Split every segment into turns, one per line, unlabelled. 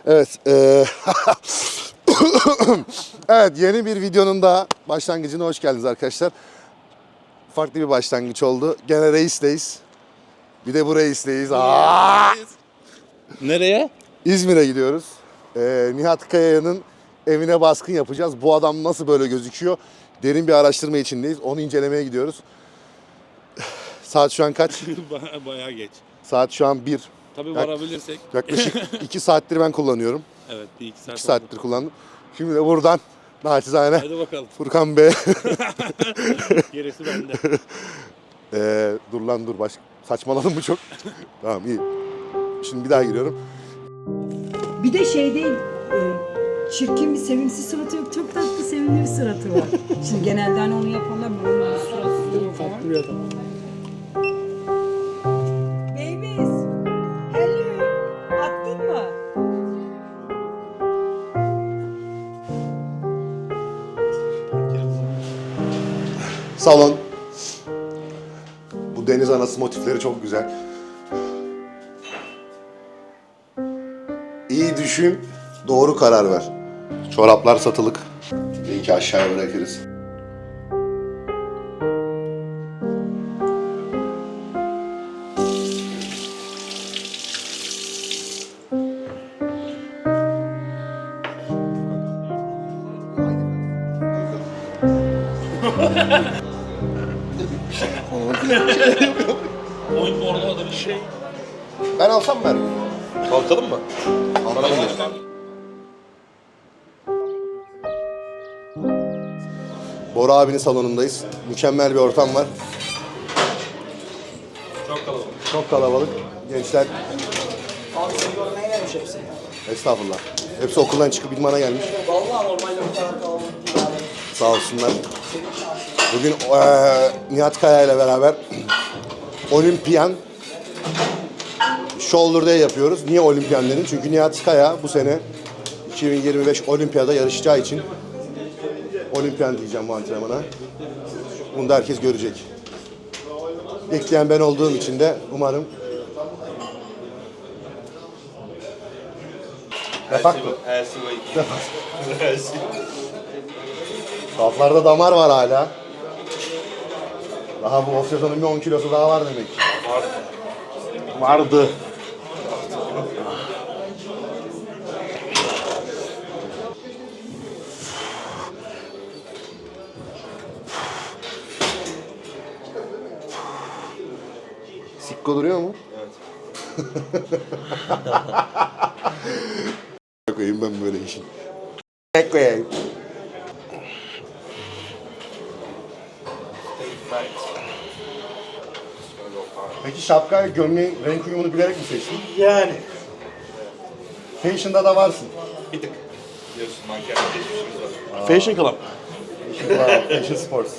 Evet. Evet, yeni bir videonun daha başlangıcına hoş geldiniz arkadaşlar. Farklı bir başlangıç oldu. Gene Reis'teyiz. Bir de bu Reis'teyiz.
Nereye?
İzmir'e gidiyoruz. Nihat Kaya'nın evine baskın yapacağız. Bu adam nasıl böyle gözüküyor? Derin bir araştırma içindeyiz. Onu incelemeye gidiyoruz. Saat şu an kaç?
Bayağı geç.
Saat şu an 1.
Tabii varabilirsek.
Yaklaşık 2 saattir ben kullanıyorum.
Evet, bir iki saat
2 saattir kullandım. Şimdi de buradan naçizane
Hadi bakalım.
Furkan Bey.
Gerisi bende.
Dur lan dur. Saçmaladım mı çok? Tamam iyi. Şimdi bir daha giriyorum.
Bir de şey değil, çirkin bir sevimsiz suratı yok. Çok tatlı sevimli bir suratı var. Şimdi genelde hani onu yapanlar böyle suratı falan. Babies, hello. Attın mı?
Salon. Bu deniz anası motifleri çok güzel. İyi düşün, doğru karar ver. Çoraplar satılık. Linki aşağıya bırakırız.
Oyun orada da bir şey.
Ben alsam mı?
Kalkalım mı?
Alsam mı? Bora abinin salonundayız. Mükemmel bir ortam var.
Çok kalabalık.
Çok kalabalık. Gençler.
Abi seni görmeye gelmiş hepsi.
Estağfurullah. Hepsi okuldan çıkıp idmana gelmiş.
Vallahi normalde bu kadar kalabalık değil abi.
Sağ olsunlar. Bugün Nihat Kaya ile beraber Olimpiyan Shoulder Day yapıyoruz. Niye Olimpiyan dedim? Çünkü Nihat Kaya bu sene 2025 Olimpiyada yarışacağı için Olimpiyan diyeceğim bu antrenmana. Bunu da herkes görecek. Bekleyen ben olduğum için de umarım Yapak mı? Saflarda damar var hala. Daha bu off sezonun bir 10 kilosu daha var demek. Vardı. Sikko duruyor mu? Evet. Koyayım ben böyle işin. Koyayım. Peki şapkayla gömleğin renk uyumunu bilerek mi seçtin?
Yani.
Fashion'da da varsın.
Bir tık. Biliyorsun manken geçmişimiz var.
Fashion Club.
Fashion Sports.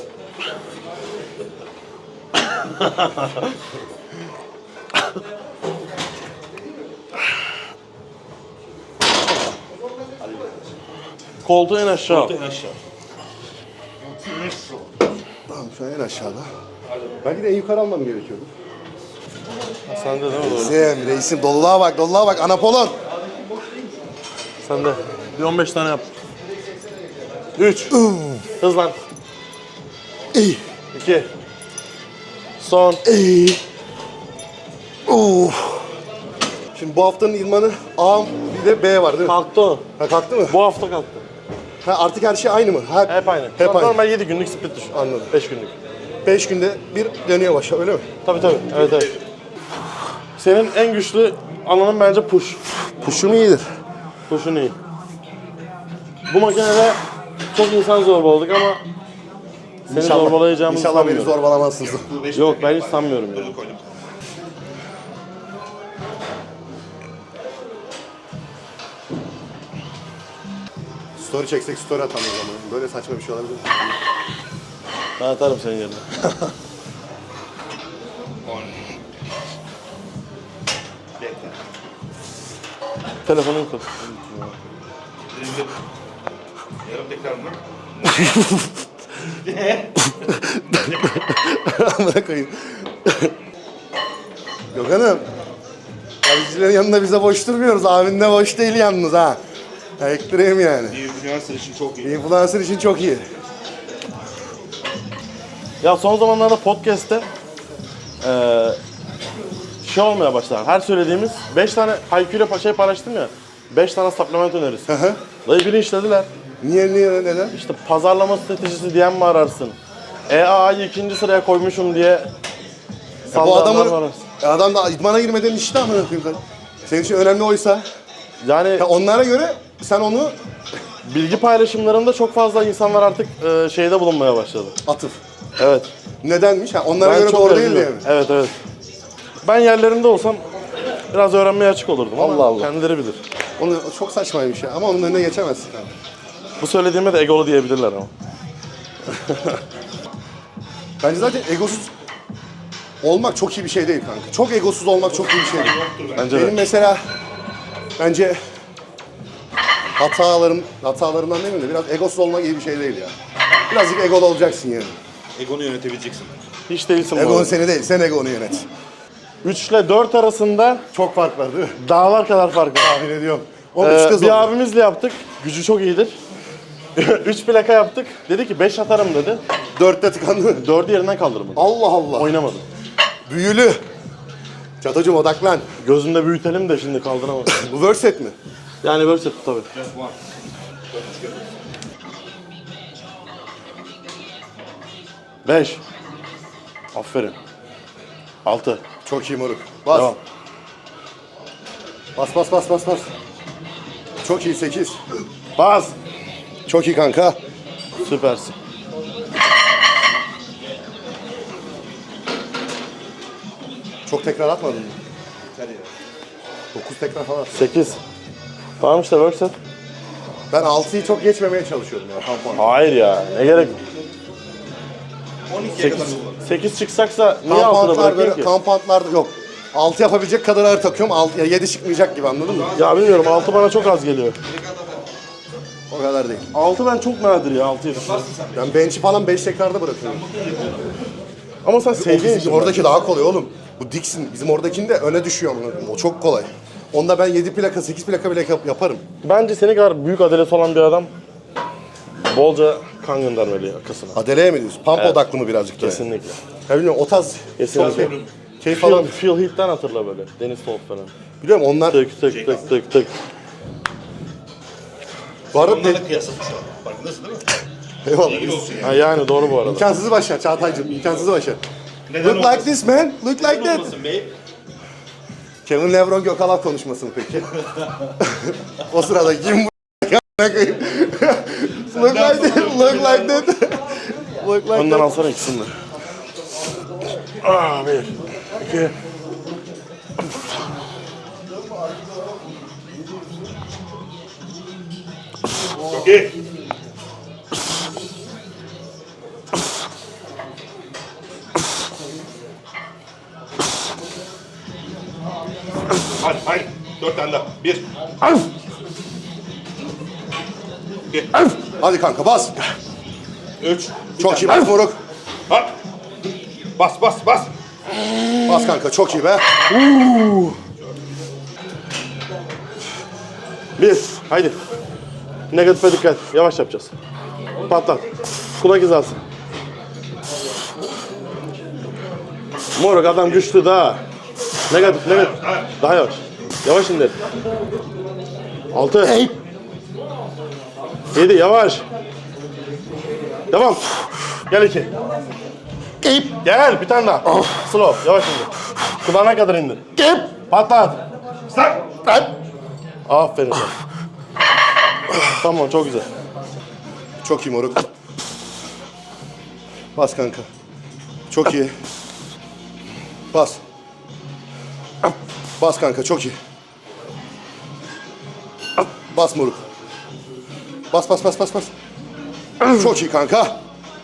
Koltuğu en aşağı.
En aşağı.
Tamam şu an en aşağıda. Belki de en yukarı almam gerekiyordu.
Sen de değil mi? Doğru.
Reisim doluluğa bak, doluluğa bak. Anapolon.
Sen de. Bir 15 tane yap. 3. Hızlan.
İyi.
2. Son.
İyi. Şimdi bu haftanın idmanı A bir de B var değil mi?
Kalktı o.
Ha, kalktı mı?
Bu hafta kalktı.
Ha, artık her şey aynı mı?
Hep aynı.
Hep aynı.
Normal 7 günlük split düşün.
Anladım.
5 günlük.
5 günde bir dönüyor başa öyle mi?
Tabii. Evet. Senin en güçlü alanın bence push.
Push'um iyidir.
Push'un iyi. Bu makinede çok insan zorbaladık ama seni zorbalayacağımızı
İnşallah beni
sanmıyorum.
zorbalamazsınız.
Yok, ben hiç sanmıyorum yani.
Koydum.
Story çeksek story atalım o zaman. Böyle saçma bir şey olabilir mi?
Ben atarım senin yerine.
10. Bekle.
Telefonun kod.
Birinci. Yarım tekrar mı?
Amına koyayım. Gökhan'ım. Abicilerin yanında bize boş durmuyoruz. Abin de boş değil yalnız ha. Ektireyim yani.
Bir influencer için çok iyi.
Influencer için çok iyi.
Ya son zamanlarda podcast'te şey olmaya başladı. Her söylediğimiz 5 tane Haykü'yle şey paylaştım ya. 5 tane supplement önerisi.
hı.
Dayı biri işlediler.
Niye neden?
İşte pazarlama stratejisi diyen mi ararsın? EAA'yı 2. sıraya koymuşum diye
Bu
sallananlar mı
adamın
ararsın?
adam da idmana girmeden işte amına koyayım. Senin için önemli oysa
Yani
ya onlara göre sen onu
bilgi paylaşımlarında çok fazla insanlar artık şeyde bulunmaya başladı.
atıf.
Evet.
Nedenmiş? Ha, onlara
Ben
göre
çok
doğru değil
üzülüyorum.
diye mi?
Evet evet. Ben yerlerinde olsam biraz öğrenmeye açık olurdum ama
Allah Allah.
kendileri bilir.
Onu çok saçmaymış ya ama onun önüne geçemezsin abi.
Bu söylediğime de egolu diyebilirler ama.
Bence zaten egosuz olmak çok iyi bir şey değil kanka. Çok egosuz olmak çok iyi bir şey değil.
Bence
Benim
de.
mesela bence hatalarımdan değil mi de biraz egosuz olmak iyi bir şey değil ya. Birazcık egolu olacaksın yani.
Egonu yönetebileceksin.
Hiç değilsin bu
Egon
arada.
seni değil, sen egonu yönet.
3 ile 4 arasında
Çok fark var değil mi?
dağlar kadar fark var.
Tahmin ediyorum. O üçte zor.
Bir abimizle yaptık. Gücü çok iyidir. 3 plaka yaptık. Dedi ki 5 atarım dedi.
Dörtte tıkandı.
4'ü yerinden kaldırmadı.
Allah Allah.
Oynamadı.
Büyülü. Çatocuğum odaklan.
Gözünde büyütelim de şimdi kaldıramadı.
Bu word set mi?
Yani böyle set tabii. 5. Aferin. 6.
Çok iyi moruk. Bas.
Devam.
Bas. Çok iyi 8.
Bas.
Çok iyi kanka.
Süpersin.
Çok tekrar atmadın mı? 9 tekrar falan.
8. Tamam işte work set.
Ben 6'yı çok geçmemeye çalışıyorum ya. Tampon.
Hayır ya. Ne gerek?
12'ye kadar
8 çıksaksa niye 6'da
Kampantlar
bırakayım
böyle,
ki?
kampantlarda yok. 6 yapabilecek kadar ağır takıyorum. 7 çıkmayacak gibi anladın mı?
Ya bilmiyorum 6 bana çok az geliyor.
O kadar değil.
6 ben çok nadir ya 6'yı.
Ben bench'i falan 5 tekrarda bırakıyorum.
Ama sen
O
sevdiğin için.
oradaki daha kolay oğlum. Bu Dixon bizim oradakinde öne düşüyor. O çok kolay. Onda ben 7 plaka 8 plaka bile yaparım.
Bence seni kadar büyük adelesi olan bir adam bolca kan göndermeli yakasına.
Adeleye mi diyorsun? Pump
Evet.
odaklı mı birazcık da?
Kesinlikle.
Ya bilmiyorum o tarz
Kesinlikle.
keyif falan.
Phil Heath'ten hatırla böyle. Deniz Top falan.
Biliyorum onlar
Tık tık tık tık tık.
bu arada
onlarla kıyaslamış o. Farkındasın değil mi?
eyvallah.
Ha yani doğru bu arada.
İmkansızı başar Çağatay'cığım. İmkansızı başar.
Neden
Look like
olmasın?
this man. Look like that.
Olmasın bey.
Kevin Lebron Gökalp konuşması mı peki? O sırada kim bu koyayım? Look like that. Look like that. Look like
Önden
that.
alsana ikisini de. Ah, 1, 2.
Çok iyi. Hadi. 4 tane daha. 1.
Hadi kanka bas.
3.
Çok iyi bas moruk.
Hop. Bas.
Bas kanka çok iyi be.
1. Haydi. Negatife dikkat. Yavaş yapacağız. Patlat. Kulak hizası. Moruk adam güçlü daha. Negatif. Daha yavaş. Yavaş indir. 6. 7 yavaş. Devam. Gel 2. Gel bir tane daha. Slow. Yavaş indir. Kulağına kadar indir. Patlat. Aferin sana. Tamam çok güzel.
Çok iyi moruk. Bas kanka. Çok iyi. Bas. Bas kanka çok iyi. Bas moruk. Bas. Çok iyi kanka.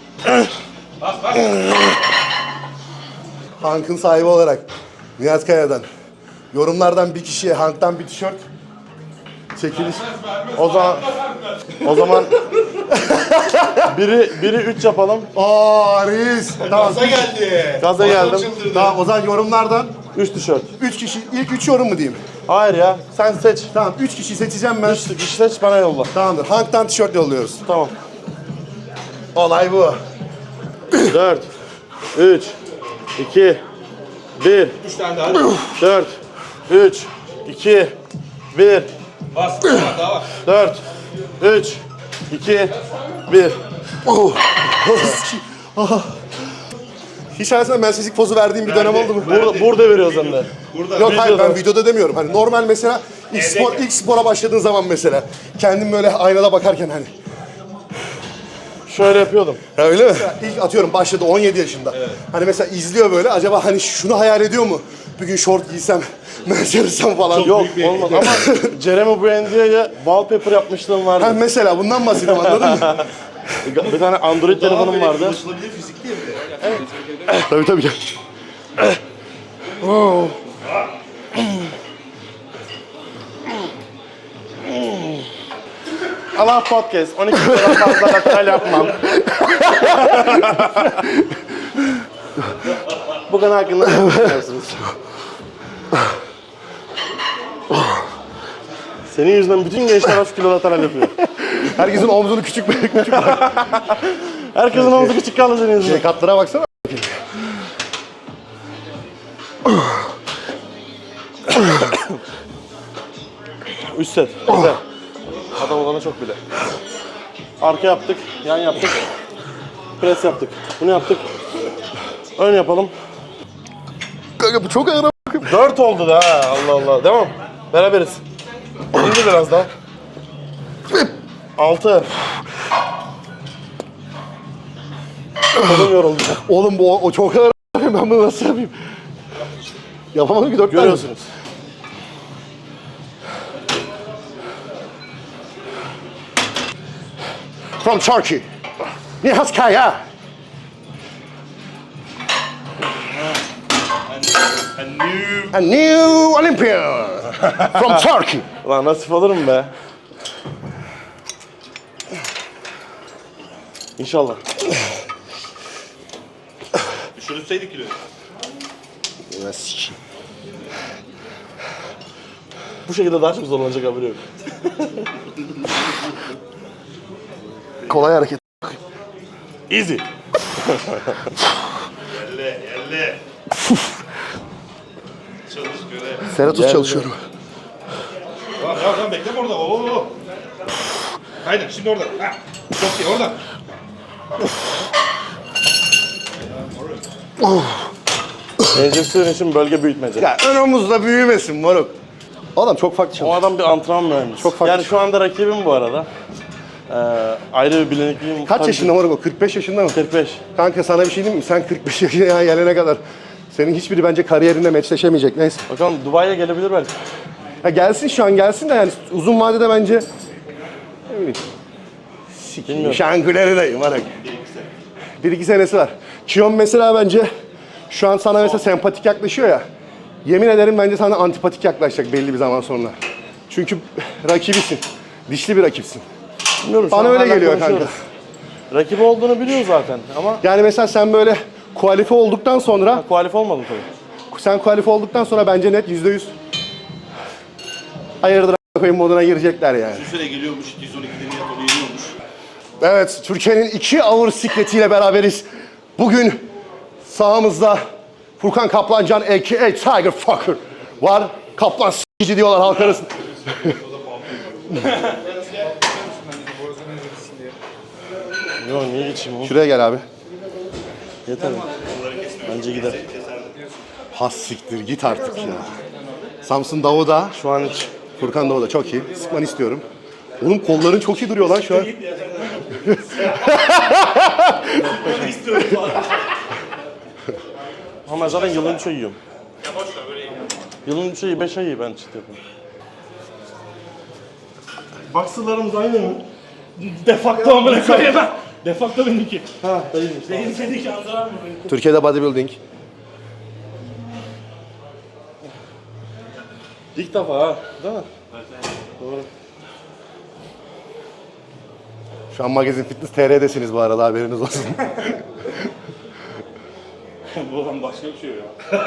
Hank'ın sahibi olarak Nihat Kaya'dan yorumlardan bir kişiye Hank'tan bir tişört çekiliş.
O zaman biri 3 yapalım.
Aa reis. Tamam.
Gaza geldi.
Gaza geldim.
Tamam o zaman yorumlardan
3 tişört.
3 kişi, ilk 3 yorum mu diyeyim?
Hayır ya, sen seç.
Tamam 3 kişi seçeceğim ben.
3 kişi seç, bana yolla.
Tamamdır. Hank'tan tişört yolluyoruz.
Tamam.
Olay bu.
4, 3, 2, 1.
3 tane daha.
4, 3, 2, 1.
Bas. Daha var.
4, 3, 2, 1.
Hiç hayatımda mensizlik pozu verdiğim bir dönem oldu mu?
Burada veriyoruz hem de.
Yok hayır
Videoda.
ben videoda demiyorum. Hani normal mesela ilk spora başladığın zaman mesela. Kendim böyle aynada bakarken hani.
Şöyle yapıyordum.
Ya öyle mi? İlk atıyorum başladı 17 yaşında. Hani mesela izliyor böyle acaba hani şunu hayal ediyor mu? Bir gün şort giysem, mensersem falan.
Yok olmaz ama Jeremy Brandy'ye wallpaper yapmışlığım
Ha,
vardı.
mesela bundan bahsediyorum anladın mı?
Bir tane Android telefonum vardı.
Ulaşılabilir fizik değil mi?
Tabii tabii.
Allah podcast. 12 lira fazla lateral yapmam. Bu konu hakkında ne düşünüyorsunuz? Senin yüzünden bütün gençler 3 kilo lateral yapıyor.
Herkesin omzunu küçük küçük.
Herkesin omuzu küçük kaldı senin yüzünden.
Katlara baksana.
Üst set. Güzel. Adam olana çok bile. Arka yaptık, yan yaptık. Pres yaptık. Bunu yaptık. Ön yapalım.
Kanka bu çok ağır.
4 oldu da ha. Allah Allah. Devam. Beraberiz. İndir biraz daha. 6. Kolum yoruldu.
Oğlum bu o çok ağır. Ben bunu nasıl yapayım? Yapamadım ki 4 tane.
Görüyorsunuz.
From Turkey. Nihat Kaya. A new Olympian from Turkey.
Ulan nasip olur mu be? İnşallah.
Düşürülseydik kiloyu.
Bu şekilde daha çok zorlanacak haberi yok.
Kolay hareket.
Easy.
Elle. Çalış göre.
Seratus çalışıyorum.
Tamam bekle orada. Oo. Aynen şimdi orada. Ha. Çok iyi orada.
Enjeksiyon için bölge büyütmece.
Ya ön omuzda büyümesin moruk. Adam çok farklı
O
çalışıyor.
adam bir antrenman mühendisi.
Çok farklı.
Yani şu anda rakibim bu arada. Ayrı bir bilinirliğim.
Kaç
tabii
yaşında moruk o? 45 yaşında mı?
45.
Kanka sana bir şey diyeyim mi? Sen 45 yaşına gelene kadar senin hiçbiri bence kariyerinde meçleşemeyecek. Neyse.
Bakalım Dubai'ye gelebilir belki.
Ya gelsin şu an gelsin de yani uzun vadede bence ne bileyim.
Bilmiyorum.
Şangüleri dayım moruk. 1-2 senesi var. Kiyon mesela bence şu an sana mesela sempatik yaklaşıyor ya. Yemin ederim bence sana antipatik yaklaşacak belli bir zaman sonra. Çünkü rakibisin. Dişli bir rakipsin.
Bilmiyorum. şu
Bana
an
öyle
hala
geliyor
konuşuyoruz.
kanka.
Rakibi olduğunu biliyor zaten ama
Yani mesela sen böyle kualife olduktan sonra,
kualife olmadım tabii.
sen kualife olduktan sonra bence net %100 hayırdır a**ayım moduna girecekler yani.
Bir süre geliyormuş. 212'de Nihat onu yeniyormuş.
Evet, Türkiye'nin 2 ağır sikletiyle beraberiz. Bugün sağımızda Furkan Kaplancan a.k.a. Tiger Fucker var. Kaplan s***ci diyorlar halk arasında.
Yok niye geçeyim oğlum?
Şuraya gel abi.
Yeter mi? Bence gider.
Has siktir git artık ya. Samsun Davud'a,
Şu an hiç.
Furkan Davud'a çok iyi. Sıkmanı istiyorum. Oğlum kolların çok iyi duruyor lan şu an.
Ama ben zaten yılın 3 ay yiyorum. Yılın 3 ayı 5 ayı ben çıt yapıyorum. Baksılarımız aynı mı?
Defakto amına koyayım ben. Defakto benimki.
Ha, dayıymış.
Benim seninki andıran mı beni?
Türkiye'de bodybuilding.
İlk defa ha, değil mi? Doğru.
Şu an Magazin Fitness TR'desiniz bu arada haberiniz olsun.
Bu adam başka bir şey ya.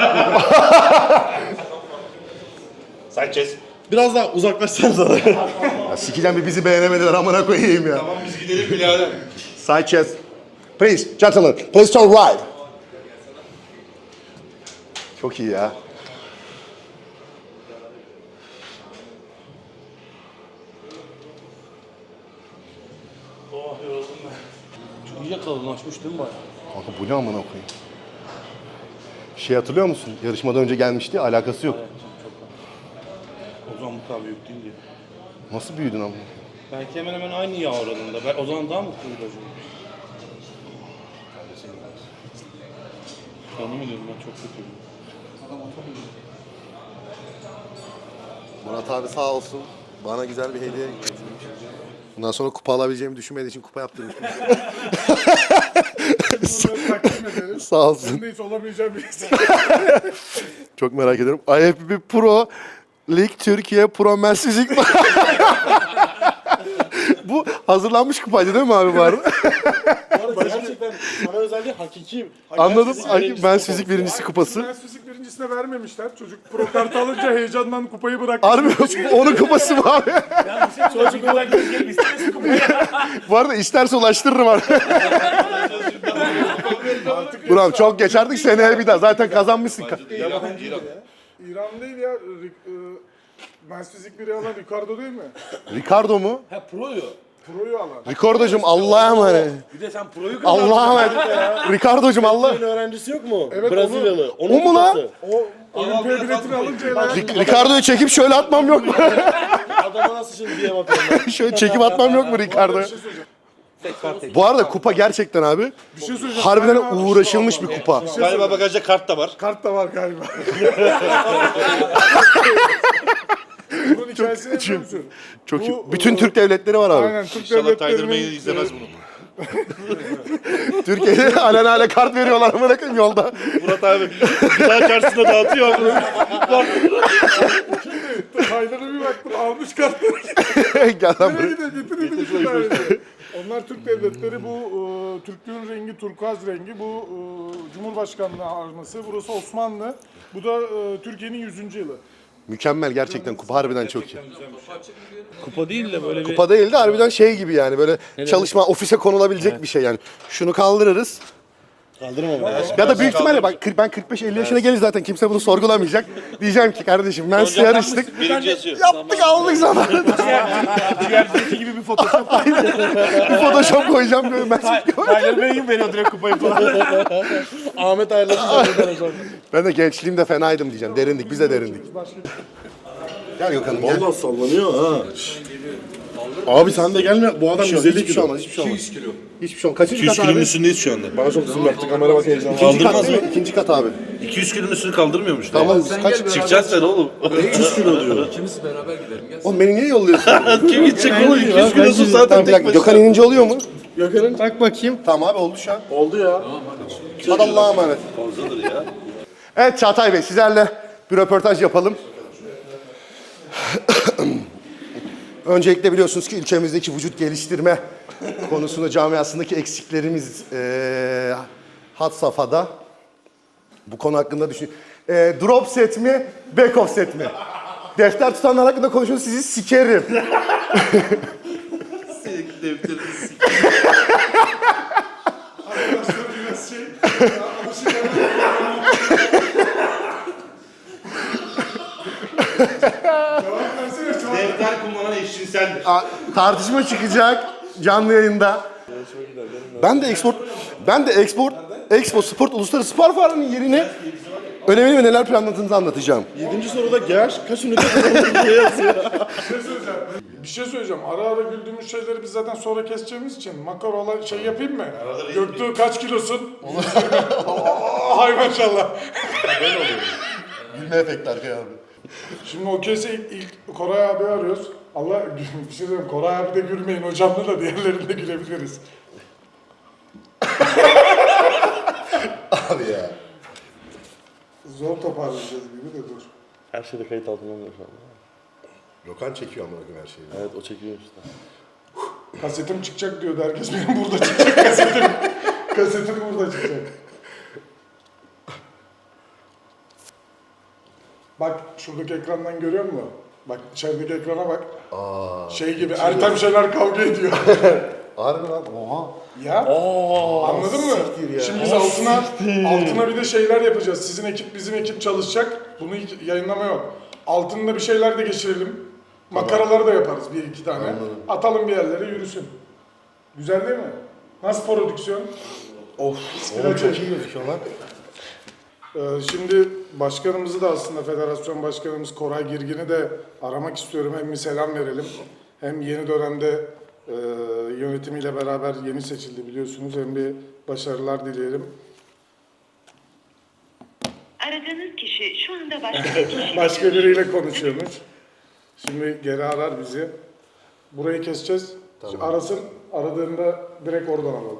Sanchez.
Biraz daha uzaklaşsanıza da.
Ya sikeceğim bir bizi beğenemediler amına koyayım ya.
Tamam biz gidelim birader.
Sanchez. Please, gentlemen, please turn right. Çok iyi ya.
Oh yoruldum ben. Çok iyice kalınlaşmış değil mi bayağı?
Kanka bu ne amına koyayım? Şey hatırlıyor musun? Yarışmadan önce gelmişti, alakası yok.
O zaman bu kadar büyük değil diye.
Nasıl büyüdün amına?
Belki hemen hemen aynı yağ oranında. Ben, o zaman daha mutluyum acaba. Canım ediyorum ben çok kötüyüm.
Murat abi sağ olsun. Bana güzel bir hediye getirmiş. Bundan sonra kupa alabileceğimi düşünmediği için kupa yaptırmış. Sağ olsun.
Hiç olamayacağım birisi.
Çok merak ediyorum. IFBB Pro Lig Türkiye Pro Men's Fizik. Bu hazırlanmış kupaydı değil mi abi bu arada?
Gerçekten sana özel değil, hakiki.
Anladım. Men's Fizik birincisi kupası.
Üniversite fizik birincisine vermemişler. Çocuk pro kartı alınca heyecandan kupayı bıraktı.
Harbi onun kupası mı abi?
Çocuk olarak gözlerim istemesin kupayı.
Bu arada isterse ulaştırırım abi. Buram çok geç artık seneye bir daha. Zaten kazanmışsın.
İran değil ya. Üniversite fizik biri alan Ricardo değil mi?
Ricardo mu?
Ha proyu.
Pro'yu alan.
Ricardo'cum Allah'a emanet.
Bir de sen proyu kazandın.
Allah'a emanet. Ricardo'cum Allah.
Öğrencisi yok mu?
Evet,
Brezilyalı.
O mu lan?
O olimpiya biletini alınca el
Ricardo'yu çekip şöyle atmam yok mu?
Adama nasıl şimdi DM atıyorum ben?
Şöyle çekip atmam yok mu Ricardo'ya? Bu arada kupa gerçekten abi.
Bir şey söyleyeceğim.
Harbiden
Galiba-
uğraşılmış bir kupa.
Galiba bagajda kart da var.
Kart da var galiba. Bunun hikayesini biliyor musun?
Çok iyi.
Bu,
Bütün Türk devletleri var abi.
Aynen Türk
İnşallah Tiger Bey
devletlerinin
izlemez bunu.
Türkiye'de alelade kart veriyorlar amına koyayım yolda.
Murat abi gıda karşısında dağıtıyor abi.
Haydar'a bir baktım almış kartları.
Gel lan
Nereye
buraya.
gidiyor? Getirin şu daireye. Onlar Türk devletleri, bu Türklüğün rengi turkuaz rengi, bu Cumhurbaşkanlığı arması, burası Osmanlı, bu da Türkiye'nin 100. yılı.
Mükemmel gerçekten kupa harbiden çok iyi.
Kupa değil de böyle bir...
Kupa değil de harbiden şey gibi yani böyle çalışma ofise konulabilecek bir şey yani. Şunu kaldırırız.
Kaldırma bana.
Ya da büyük ihtimalle bak ben 45-50 yaşına gelince zaten kimse bunu sorgulamayacak. Diyeceğim ki kardeşim ben size yarıştık.
Birinci yazıyor.
Yaptık aldık zamanında.
Diğer gibi bir fotoğraf.
Bir photoshop koyacağım böyle ben.
Tiger Bey'in veriyor direkt kupayı falan.
Ahmet ayarladı zaten hocam.
Ben de gençliğimde fenaydım diyeceğim. Derindik biz de derindik. Gel Gökhan'ım gel.
Valla sallanıyor ha. Abi sen de gelme. Bu adam 150
Hiçbir şey
kilo.
olmaz, hiçbir şey olmaz. Hiçbir şey olmaz. Kaçıncı
200
kat
kilonun
abi?
üstündeyiz şu anda.
Bana çok zoom yaptı. Kamera bak heyecanlı.
İkinci kat
Kaldırmaz
değil
mı?
mi? İkinci kat abi.
200 kilonun üstünü kaldırmıyormuş.
Tamam biz kaç?
Çıkacağız sen oğlum.
300 kilo diyor.
Oğlum beni niye yolluyorsun?
Kim gidecek oğlum? 200 kilosun
Tamam
zaten
bir
tek
dakika
başına.
Gökhan inince oluyor mu?
Gökhan'ın tak bakayım.
Tamam abi oldu şu an.
Oldu ya.
Hadi Allah'a emanet.
Fazladır ya.
Evet Çağatay Bey sizlerle bir röportaj yapalım. Öncelikle biliyorsunuz ki ülkemizdeki vücut geliştirme konusunda camiasındaki eksiklerimiz had safhada. Bu konu hakkında düşün. Drop set mi, back off set mi? Defter tutanlar hakkında konuşuyorsunuz sizi sikerim.
Defter kullanan eşcinseldir.
Tartışma çıkacak canlı yayında. Ben de Expo Sport Uluslararası Spor Fuarı'nın yerini önemli ve neler planladığınızı anlatacağım.
7. soruda GH kaç ünite kullanıldığı yazıyor.
Bir şey söyleyeceğim. Ara ara güldüğümüz şeyleri biz zaten sonra keseceğimiz için makarola şey yapayım mı? Göktuğ kaç kilosun? Hay maşallah.
Gülme efekti arkaya abi.
Şimdi o kese ilk Koray abi arıyoruz. Allah bir şey diyeyim. Koray abi de gülmeyin hocamla da diğerlerinde gülebiliriz.
Abi ya.
Zor toparlayacağız gibi de dur.
Her şeyde kayıt altında oluyor şu anda.
Gökhan çekiyor amına koyayım her şeyi.
Evet o çekiyor işte.
Kasetim çıkacak diyordu herkes. Benim burada çıkacak kasetim. Kasetim burada çıkacak. Bak şuradaki ekrandan görüyor musun? Bak içerideki ekrana bak. Şey gibi Ertem Şener kavga ediyor.
Harbi lan. Oha.
Ya. Anladın mı?
siktir ya.
Şimdi biz altına bir de şeyler yapacağız. Sizin ekip bizim ekip çalışacak. Bunu hiç yayınlama yok. Altında bir şeyler de geçirelim. Makaraları da yaparız bir iki tane.
Anladım.
Atalım bir yerlere yürüsün. Güzel değil mi? Nasıl prodüksiyon?
Oğlum çok iyi gözüküyor lan.
Şimdi başkanımızı da aslında federasyon başkanımız Koray Girgin'i de aramak istiyorum. Hem bir selam verelim. Hem yeni dönemde yönetimiyle beraber yeni seçildi biliyorsunuz. Hem bir başarılar dileyelim.
Aradığınız kişi şu anda başka bir kişi.
Başka biriyle konuşuyormuş. Şimdi geri arar bizi. Burayı keseceğiz. Arasın. Aradığında direkt oradan alalım.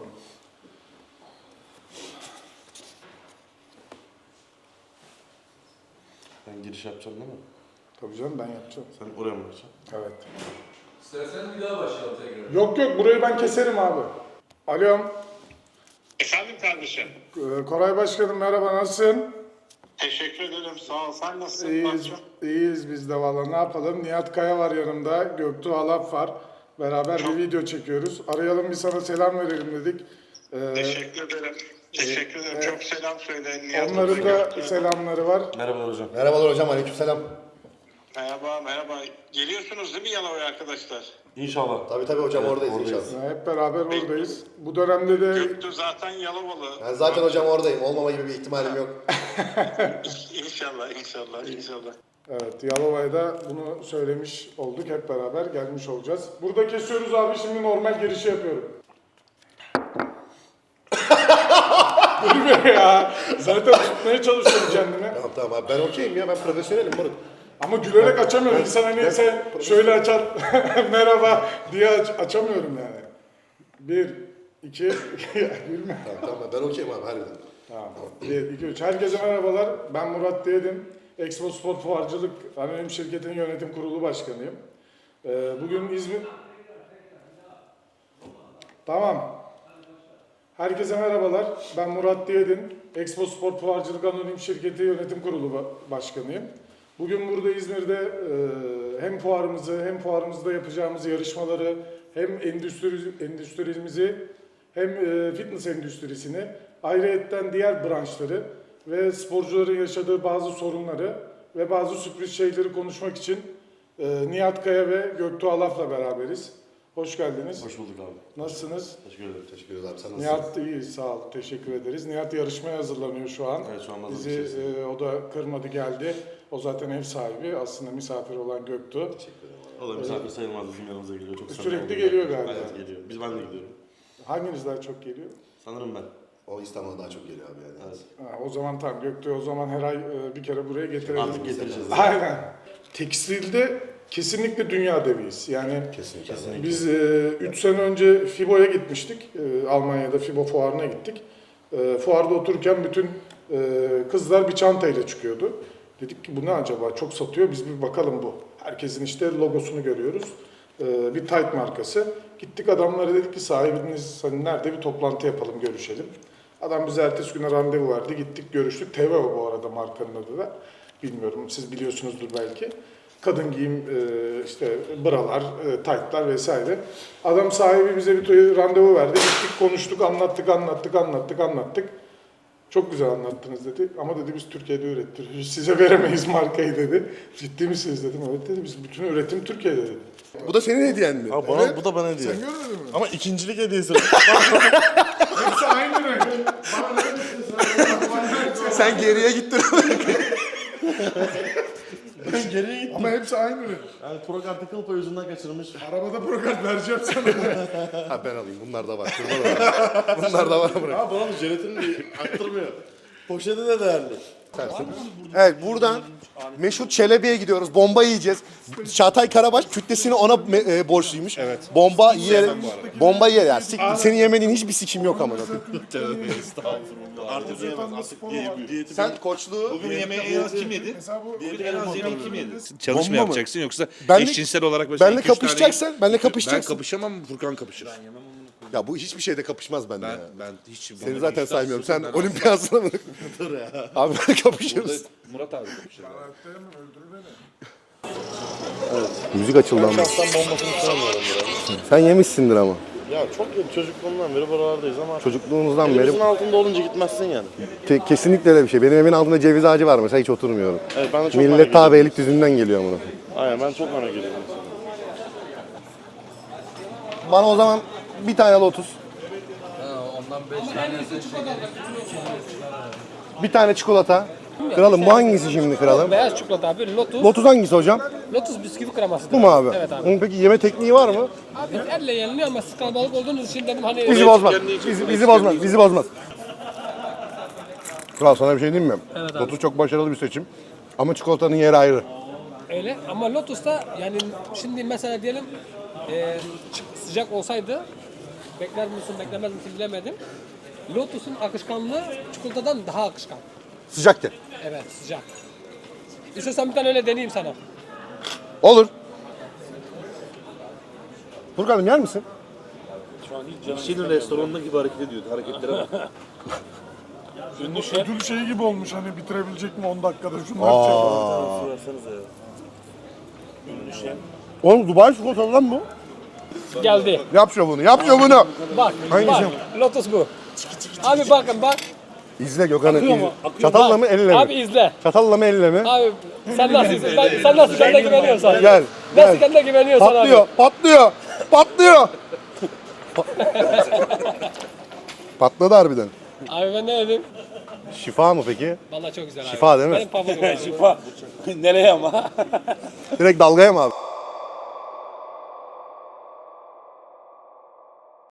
Ben giriş yapacağım değil mi?
Tabii canım ben yapacağım.
Sen oraya mı bakacaksın?
Evet.
İstersen bir daha başlayalım tekrar.
Yok burayı ben keserim abi. Alo.
Efendim kardeşim.
Koray Başkanım merhaba nasılsın?
Teşekkür ederim. Sağ ol. Sen nasılsın?
İyiyiz, iyiyiz biz de valla ne yapalım. Nihat Kaya var yanımda, Göktuğ Alap var. Beraber bir video çekiyoruz. Arayalım bir sana selam verelim dedik.
Teşekkür ederim. Teşekkür ederim. Çok selam söyle. Nihat
Onların
Hoca.
da selamları var.
Merhabalar hocam.
Merhabalar hocam. Aleykümselam.
Merhaba. Geliyorsunuz değil mi Yalova'ya arkadaşlar?
İnşallah.
Tabii hocam oradayız
oradayız.
inşallah.
Hep beraber oradayız. Bu dönemde de
Göktuğ zaten Yalovalı.
Ben zaten hocam oradayım. Olmama gibi bir ihtimalim yok.
İnşallah.
evet Yalova'ya da bunu söylemiş olduk. Hep beraber gelmiş olacağız. Burada kesiyoruz abi. Şimdi normal girişi yapıyorum. Dur be ya. Zaten tutmaya çalışıyorum kendimi.
Tamam abi ben okeyim ya. Ben profesyonelim moruk.
Ama gülerek açamıyorum. İnsan hani sen şöyle açar merhaba diye açamıyorum yani. 1, 2, gülme.
Tamam ben okeyim abi harbiden.
Tamam. 1, 2, 3. Herkese merhabalar. Ben Murat Diyedim. Expo Spor Fuarcılık Anonim Şirketi'nin yönetim kurulu başkanıyım. Bugün İzmir... Tamam. Herkese merhabalar. Ben Murat Diyedin. Expo Spor Fuarcılık Anonim Şirketi Yönetim Kurulu Başkanıyım. Bugün burada İzmir'de hem fuarımızda yapacağımız yarışmaları, hem endüstrimizi, hem fitness endüstrisini, ayrıyetten diğer branşları ve sporcuların yaşadığı bazı sorunları ve bazı sürpriz şeyleri konuşmak için Nihat Kaya ve Göktuğ Alaf'la beraberiz. Hoş geldiniz.
Hoş bulduk abi.
Nasılsınız?
Teşekkür ederim.
Teşekkür ederiz abi. Sen nasılsın?
Nihat iyi, sağ ol. Teşekkür ederiz. Nihat yarışmaya hazırlanıyor şu an.
Evet, şu an hazır
Bizi
içerisinde.
o da kırmadı geldi. O zaten ev sahibi. Aslında misafir olan Göktuğ.
O da misafir sayılmaz bizim yanımıza geliyor. Çok
Sürekli
samimi
geliyor
oluyor.
galiba.
Evet geliyor. Ben de gidiyorum.
Hanginiz daha çok geliyor?
Sanırım ben.
O İstanbul'a daha çok geliyor abi yani.
Evet.
O zaman tamam Göktuğ o zaman her ay bir kere buraya getirelim.
Artık getireceğiz.
Aynen. Tekstilde kesinlikle dünya deviyiz. Yani
Kesinlikle.
biz 3 sene önce FIBO'ya gitmiştik. Almanya'da FIBO fuarına gittik. Fuarda otururken bütün kızlar bir çantayla çıkıyordu. Dedik ki bu ne acaba? Çok satıyor. Biz bir bakalım bu. Herkesin işte logosunu görüyoruz. Bir tight markası. Gittik adamlara dedik ki sahibiniz hani nerede bir toplantı yapalım, görüşelim. Adam bize ertesi güne randevu verdi. Gittik görüştük. Teveo bu arada markanın adı da. Bilmiyorum siz biliyorsunuzdur belki. Kadın giyim işte bralar, taytlar vesaire. Adam sahibi bize bir randevu verdi. Gittik konuştuk, anlattık. Çok güzel anlattınız dedi. Ama dedi biz Türkiye'de ürettiriyoruz. Size veremeyiz markayı dedi. Ciddi misiniz dedim. Evet dedi. Biz bütün üretim Türkiye'de dedi.
Bu da senin hediyen mi?
Ha, bana, bu da bana hediye.
Sen görmedin mi?
Ama ikincilik hediyesi.
Hepsi aynı renk.
Sen geriye gittin.
Ben geriye gittim.
Ama hepsi aynı renk.
Yani Prokart'ı kıl payı yüzünden kaçırmış.
Arabada prokart vereceğim sana.
Ha ben alayım. Bunlar da var. Şurada da var. Bunlar da var. Bırak.
Ha bana bu jelatini aktırmıyor. Poşeti de değerli.
Evet buradan Meşhut Çelebi'ye gidiyoruz. Bomba yiyeceğiz. Çağatay Karabaş kütlesini ona borçluymuş. Evet. Bomba yer. Bomba yer yani. Senin yemediğin hiçbir sikim yok ama.
Artık yiyemez. Artık diyeti.
Sen koçluğu
Bugün yemeği en az kim yedi?
Mesela bu
Bugün en az yemeği kim yedi?
Bomba
Çalışma
mı?
yapacaksın yoksa
Benle-
eşcinsel olarak mesela
benle
2-3 tane-
kapışacaksan, benle
Ben
kapışacaksın.
kapışamam, Furkan kapışır.
Ya bu hiçbir şeyde kapışmaz bende ya.
Ben hiç...
Seni zaten saymıyorum. Sen olimpiyasına mı? Dur ya. Abi böyle kapışırız.
Murat abi kapışıyor.
Müzik açıldı ama.
Şahsen bombasını sevmiyorum biraz.
Sen yemişsindir ama.
Ya çok iyi. Çocukluğumdan beri buralardayız ama
Çocukluğumuzdan
elimizin
beri
altında olunca gitmezsin yani.
kesinlikle öyle bir şey. Benim evimin altında ceviz ağacı var mesela hiç oturmuyorum.
Evet ben de çok merak
Millet ta
ediyorum.
Beylikdüzü'nden geliyor bunu.
Aynen ben çok merak ediyorum.
Bana o zaman bir tane Lotus. Bir tane çikolata. Kralım bu hangisi şimdi kralım?
Beyaz çikolata abi, Lotus.
Lotus hangisi hocam?
Lotus bisküvi kreması.
Bu mu abi?
Evet abi.
Onun peki yeme tekniği var mı?
Abi elle yeniliyor ama siz kalabalık olduğunuz için dedim hani...
Bizi bozmaz. Bizi bozmaz. Bizi bozmaz. Kral sana bir şey diyeyim mi?
Evet abi.
Lotus çok başarılı bir seçim. Ama çikolatanın yeri ayrı.
Öyle ama Lotus'ta yani şimdi mesela diyelim sıcak olsaydı bekler misin beklemez misin bilemedim. Lotus'un akışkanlığı çikolatadan daha akışkan.
Sıcaktı.
Evet sıcak. İstersen bir tane öyle deneyeyim sana.
Olur. Furkan'ım yer misin?
Kişinin restoranında gibi hareket ediyordu. Hareketlere bak.
Ödül şeyi gibi olmuş hani bitirebilecek mi 10 dakikada şunlar çekiyor.
Versenize ya. Ünlü şef.
Oğlum Dubai çikolatalı lan bu.
Geldi.
Yap şovunu, yap şovunu.
Bak,
Hangisi?
bak. Lotus bu. Abi bakın bak.
İzle Gökhan'ı.
Akıyor mu?
izle.
Akıyor.
Çatalla mı elle mi?
Abi izle.
Çatalla mı elle mi?
Abi sen nasıl sen nasıl kendine güveniyorsan.
Gel.
Nasıl
Gel.
kendine güveniyorsan
Patlıyor,
abi.
patlıyor, patlıyor. Patladı harbiden.
Abi ben ne dedim?
Şifa mı peki?
Vallahi çok güzel abi.
Şifa değil mi?
Benim pamuğum abi.
Şifa. Nereye ama?
Direkt dalgaya mı abi?